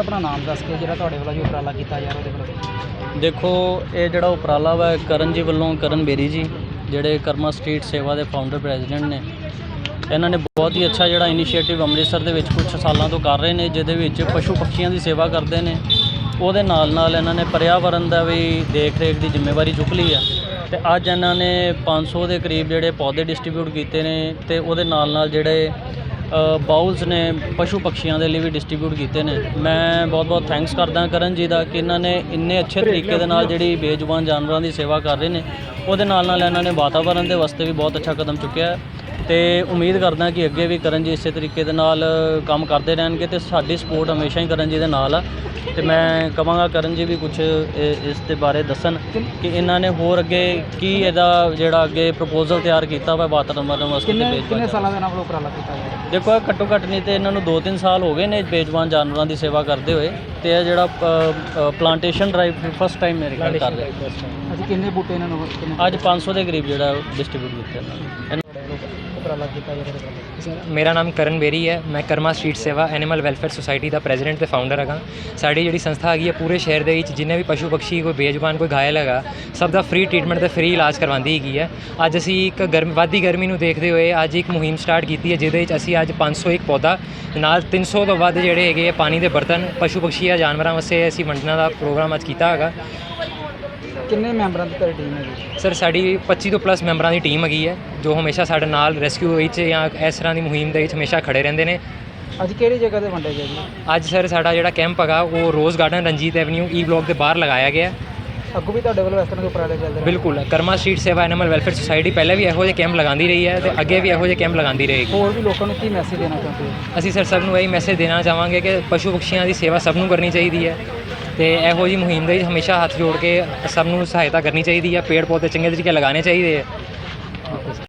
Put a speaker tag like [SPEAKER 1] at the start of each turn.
[SPEAKER 1] अपना नाम दस के जो वालों जो उपराला किया जा रहा।
[SPEAKER 2] देखो ये जोड़ा उपराला वा करण जी वालों, करण बेरी जी जोड़े कर्मा स्ट्रीट सेवा के फाउंडर प्रैजिडेंट ने, इन्होंने बहुत ही अच्छा जोड़ा इनीशिएटिव अमृतसर के कुछ सालों तो कर रहे हैं, जिहदे पशु पक्षियों की सेवा करते हैं। ਉਹਦੇ ਨਾਲ ਇਹਨਾਂ ਨੇ पर्यावरण का भी देख रेख की जिम्मेवारी चुक ली है। तो अज इन्होंने 500 के करीब जोड़े पौधे डिस्ट्रीब्यूट किए हैं, तो वो नाल जोड़े बाउल्स ने पशु पक्षियों के लिए भी डिस्ट्रीब्यूट किए हैं। मैं बहुत बहुत थैंक्स करदा करण जी का कि इन्होंने इन्ने अच्छे तरीके दे नाल जिहड़ी बेजुबान जानवरों की सेवा कर रहे हैं। वो नाल इन्होंने वातावरण के वास्ते भी बहुत अच्छा कदम चुकया है। तो उम्मीद करदा कि अगे भी करण जी इस तरीके दे नाल काम करते रहेंगे, तो साडी सपोर्ट हमेशा ही करण जी दे नाल आ। तो मैं कहांगा करण जी भी कुछ इस दे बारे दसन कि इन्होंने होर अगे की इहदा जिहड़ा अगे प्रपोजल तैयार किया वा वातावरण वास्ते।
[SPEAKER 1] कितने सालों के उपराला किया जाए?
[SPEAKER 2] देखो घट्टो घट्ट नहीं तो इन्होंने 2-3 साल हो गए ने बेजुबान जानवरों की सेवा करते हुए। तो यह जोड़ा प्लांटेशन ड्राइव फर्स्ट टाइम मेरे ख्याल कर रहे हैं।
[SPEAKER 1] अच्छा, कितने बूटे इन्होंने
[SPEAKER 2] अज 500 के करीब जो डिस्ट्रीब्यूट किया।
[SPEAKER 3] मेरा नाम करण बेरी है। मैं Karma Street Seva Animal Welfare Society का प्रेजिडेंट तो फाउंडर हाँ। साड़ी जी संस्था हैगी है पूरे शहर के जिन्हें भी पशु पक्षी कोई बेजुबान कोई घायल है सब का फ्री ट्रीटमेंट तो फ्री इलाज करवाती हैगी है। अज असी एक वादी गर्मी को देखते हुए अज एक मुहिम स्टार्ट की है, जिहदे असी अज 501 पौधा नाल 300 तो वध जिहड़े हैगे पानी के बर्तन पशु पक्षी या जानवरों वास्ते असी वंडने का प्रोग्राम अज किया है।
[SPEAKER 1] कितने मैंबरों की तेरी टीम है?
[SPEAKER 3] सर साड़ी 25 तो प्लस मैंबरों की टीम हैगी है, जो हमेशा साडे नाल रेस्क्यू या इस तरह की मुहिम के हमेशा खड़े रहते हैं।
[SPEAKER 1] अज किहड़ी जगह ते वंडे गए जी?
[SPEAKER 3] अज सर साडा जिहड़ा कैंप है वो Rose Garden Ranjit Avenue E Block के बाहर लगाया गया।
[SPEAKER 1] अगों भी तुहाडे वल्लों इस तरह के उपराले चलदे?
[SPEAKER 3] बिल्कुल, Karma Street Seva Animal Welfare Society पहले भी इहो जिहे कैंप लगाती रही है, तो अगे भी इहो जिहे कैंप लगाती रहेगी।
[SPEAKER 1] होर भी लोगों को की मैसेज देना चाहते हो?
[SPEAKER 3] असी सर सबनूं यही मैसेज देना चाहांगे कि पशु पक्षियों की सेवा सबनूं करनी चाहिए है, तो इहो जी मुहिम दे हमेशा हाथ जोड़ के सबनूं सहायता करनी चाहिए है। पेड़ पौधे चंगे तरीके लगाने चाहिए।